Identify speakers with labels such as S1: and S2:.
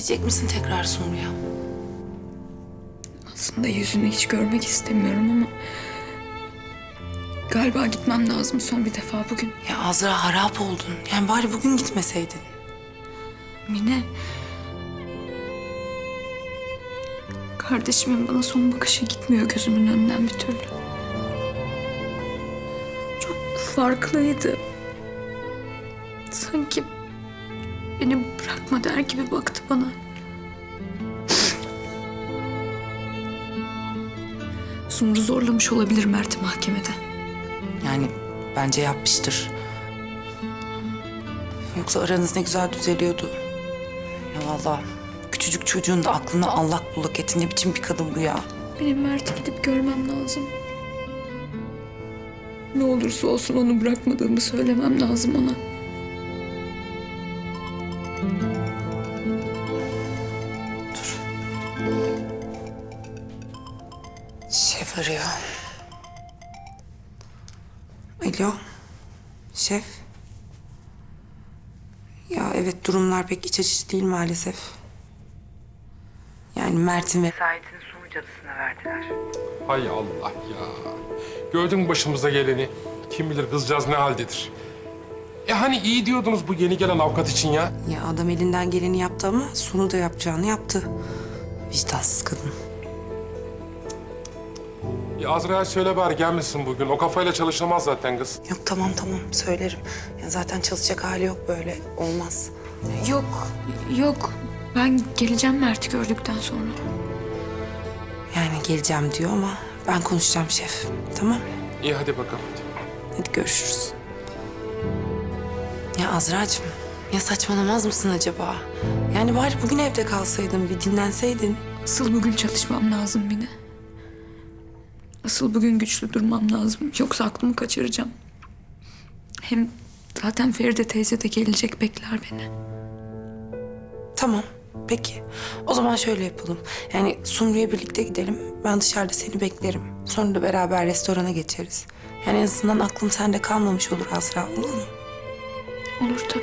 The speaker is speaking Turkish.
S1: Gidecek misin tekrar Sumru'ya?
S2: Aslında yüzünü hiç görmek istemiyorum ama... Galiba gitmem lazım son bir defa bugün.
S1: Ya Azra harap oldun. Yani bari bugün gitmeseydin.
S2: Mine... Kardeşimin bana son bakışı gitmiyor gözümün önünden bir türlü. Çok farklıydı. Sanki beni bırakma der gibi baktı bana. Sumru zorlamış olabilir Mert'i mahkemede.
S1: Yani bence yapmıştır. Yoksa aranız ne güzel düzeliyordu. Ya vallahi küçücük çocuğun da aklını allak bullak etti. Ne biçim bir kadın bu ya?
S2: Benim Mert'i gidip görmem lazım. Ne olursa olsun onu bırakmadığımı söylemem lazım ona.
S1: Dur. Şef arıyor. Alo. Şef. Ya evet, durumlar pek iç açıcı değil maalesef. Yani Mert'in vesayetini Sumru cadısına verdiler.
S3: Hay Allah ya. Gördün mü başımıza geleni? Kim bilir kızcağız ne haldedir. Hani iyi diyordunuz bu yeni gelen avukat için ya.
S1: Ya adam elinden geleni yaptı ama Sumru da yapacağını yaptı. Vicdansız kadın.
S3: Ya Azra'ya söyle bari gelmesin bugün. O kafayla çalışamaz zaten kız.
S1: Yok tamam söylerim. Ya zaten çalışacak hali yok, böyle olmaz.
S2: Yok. Ben geleceğim Mert'i gördükten sonra.
S1: Yani geleceğim diyor ama ben konuşacağım şef. Tamam.
S3: İyi hadi bakalım.
S1: Hadi görüşürüz. Ya Azra'cığım, ya saçmalamaz mısın acaba? Yani bari bugün evde kalsaydın, bir dinlenseydin.
S2: Asıl bugün çalışmam lazım Mine. Asıl bugün güçlü durmam lazım. Yoksa aklımı kaçıracağım. Hem zaten Feride teyze de gelecek, bekler beni.
S1: Tamam, peki. O zaman şöyle yapalım. Yani Sumru'ya birlikte gidelim. Ben dışarıda seni beklerim. Sonra da beraber restorana geçeriz. Yani en azından aklım sende kalmamış olur Azra, olur mu?
S2: Olur tabii.